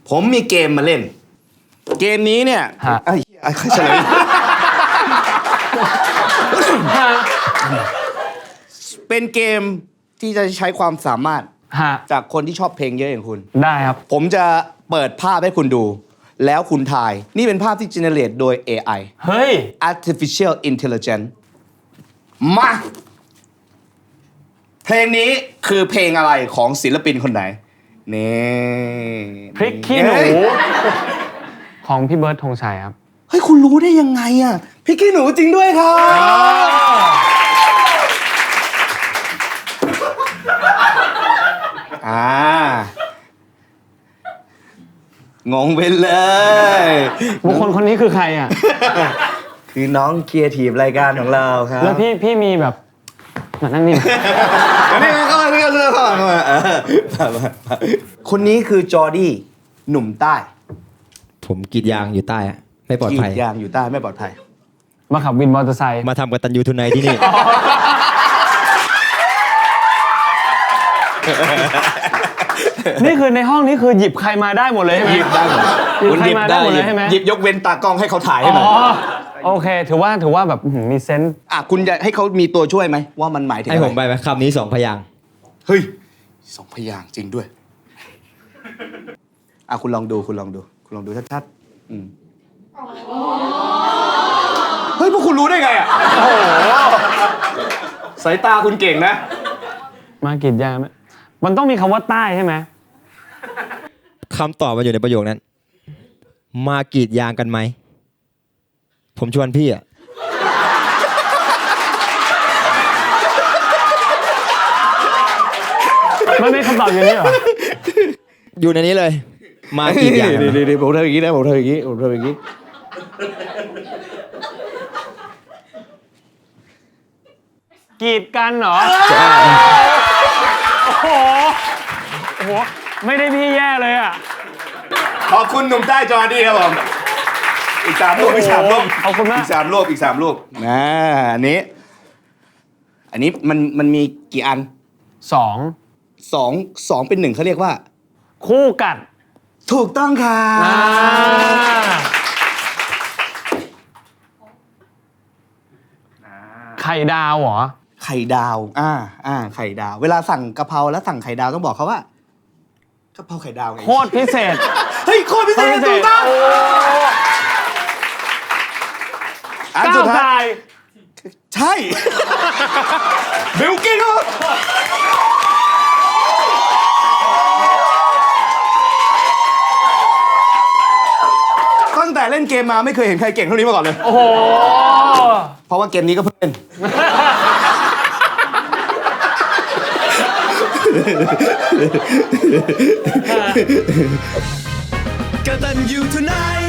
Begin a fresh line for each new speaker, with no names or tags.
ผมมีเกมมาเล่น เกมนี้เนี่ยไอ้ใครเฉลยเป็นเกมที่จะใช้ความสามารถจากคนที่ชอบเพลงเยอะอย่างคุณ
ได้ครับ
ผมจะเปิดภาพให้คุณดูแล้วคุณทายนี่เป็นภาพที่ generate โดย AI
เฮ้ย
artificial intelligence มาเพลงนี้คือเพลงอะไรของศิลปินคนไหนนี่
พริกขี้หนูของพี่เบิร์ดธงชัยครับ
เฮ้ยคุณรู้ได้ยังไงอ่ะพริกขี้หนูจริงด้วยครับงงไปเลย
บุคคลคนนี้คือใครอ่ะ
คือน้องครีเอทีฟรายการของเราครับ
แล้วพี่มีแบบมานั่งนี่
นี่เข้ามาคนนี้คือจอร์ดี้หนุ่มใต้
ผมกรีดยางอยู่ใต้ไม่ปลอดภัย
กรีดยางอยู่ใต้ไม่ปลอดภัย
มาขับวินมอเตอร์ไซค์
มาทำกับตันยูทูไนที่นี่
นี่คือในห้องนี้คือหยิบใครมาได้หมดเลยใช่ไหม
หยิบได้หมด
หยิบใครมาได้หมดเลยใช่ไหม
หยิบยกเว้นตากล้องให้เขาถ่ายให้หน่อย
โอเคถือว่าแบบมีเซนส์
คุณจะให้เขามีตัวช่วยไหมว่ามันหมายถึงอะไร
ให้ผมไปไหมคำนี้2 พยางค์
เฮ้ย2 พยางค์จริงด้วยคุณลองดูชัดๆเฮ้ยพวกคุณรู้ได้ไงอ่ะโอ้โหสายตาคุณเก่งนะ
มากรีดยางมันต้องมีคำว่าใต้ใช่ไหม
คำตอบมันอยู่ในประโยคนั้นมากรีดยางกันไหมผมชวนพี่อ่ะ
ไม่คำตอบอยู่นี่เหรอ
อยู่ในนี้เลยมากรีดยาง
ดีผมทำอย่างนี้นะผมทำอย่างนี้
กรีดกันเหรอโอ้โหไม่ได้พี่แย่เลยอ่ะ
ขอบคุณหนุ่มใต้จอร์ดี้ครับผมอีก3 รูป
ขอบคุณมาก
อีก3 รูปอันนี้มันมีกี่อัน2เป็น1เขาเรียกว่า
คู่กัด
ถูกต้องค่ะ
ไข่ดาวเหรอ
ไข่ดาวไข่ดาวเวลาสั่งกะเพราแล้วสั่งไข่ดาวต้องบอกเขาว่ากะเพราไข่ดาวไง
โคตรพิเศษ
เฮ้ยโคตรพิเศษถูกต้อง
อันสุดท้าย
ใช่บิลกิ้นครับตั้งแต่เล่นเกมมาไม่เคยเห็นใครเก่งเท่านี้มาก่อนเลย
โอ้โห
เพราะว่าเกมนี้ก็เพิ่งเล่นกตัญญูทูไนท์